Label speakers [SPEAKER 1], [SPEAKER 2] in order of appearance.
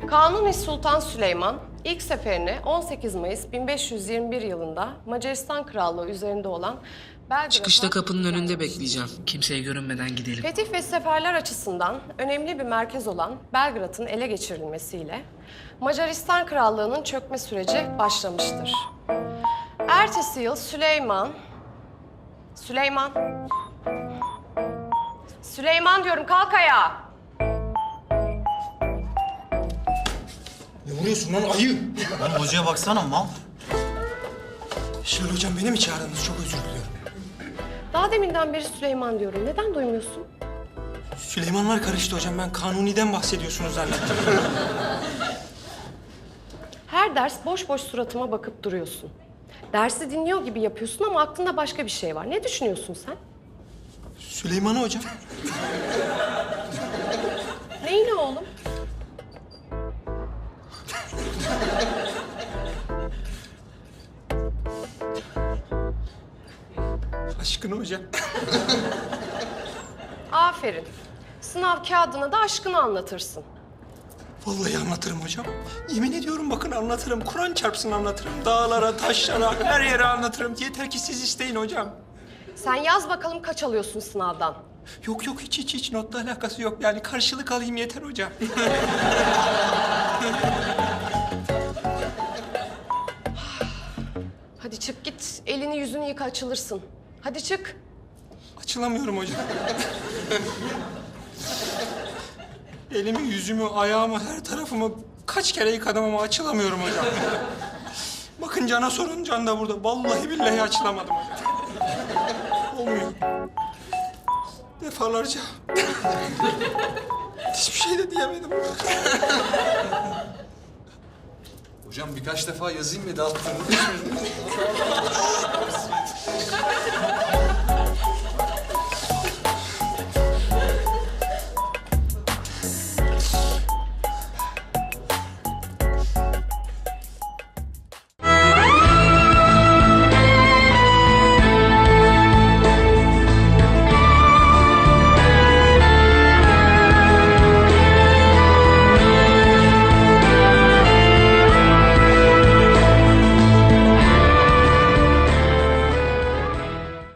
[SPEAKER 1] Kanuni Sultan Süleyman ilk seferini 18 Mayıs 1521 yılında Macaristan Krallığı üzerinde olan Belgrad'a...
[SPEAKER 2] Çıkışta kapının önünde bekleyeceğim. Kimseye görünmeden gidelim.
[SPEAKER 1] Fetih ve seferler açısından önemli bir merkez olan Belgrad'ın ele geçirilmesiyle Macaristan Krallığı'nın çökme süreci başlamıştır. Ertesi yıl Süleyman diyorum, kalk ayağa.
[SPEAKER 3] Ne vuruyorsun lan ayı?
[SPEAKER 4] Lan hocaya baksana mal.
[SPEAKER 3] Şöyle hocam beni mi çağırdınız? Çok özür diliyorum.
[SPEAKER 1] Daha deminden beri Süleyman diyorum. Neden duymuyorsun?
[SPEAKER 3] Süleymanlar karıştı hocam. Ben Kanuni'den bahsediyorsunuz zannettim.
[SPEAKER 1] Her ders boş boş suratıma bakıp duruyorsun. Dersi dinliyor gibi yapıyorsun ama aklında başka bir şey var. Ne düşünüyorsun sen?
[SPEAKER 3] Süleyman'ı hocam.
[SPEAKER 1] Neyine oğlum?
[SPEAKER 3] Aşkını hocam.
[SPEAKER 1] Aferin. Sınav kağıdına da aşkını anlatırsın.
[SPEAKER 3] Vallahi anlatırım hocam. Yemin ediyorum bakın anlatırım. Kur'an çarpsın anlatırım. Dağlara, taşlara, her yere anlatırım. Yeter ki siz isteyin hocam.
[SPEAKER 1] Sen yaz bakalım kaç alıyorsun sınavdan.
[SPEAKER 3] Yok yok hiç notla alakası yok. Yani karşılık alayım yeter hocam.
[SPEAKER 1] Hadi çık git. Elini yüzünü yıka, açılırsın. Hadi çık.
[SPEAKER 3] Açılamıyorum hocam. Elimi, yüzümü, ayağımı, her tarafımı kaç kere yıkadım ama açılamıyorum hocam. Bakın Can'a sorun, Can da burada. Vallahi billahi açılamadım hocam. Olmuyor. Defalarca. Hiçbir şey de diyemedim.
[SPEAKER 5] Hocam birkaç defa yazayım ve dağıttığını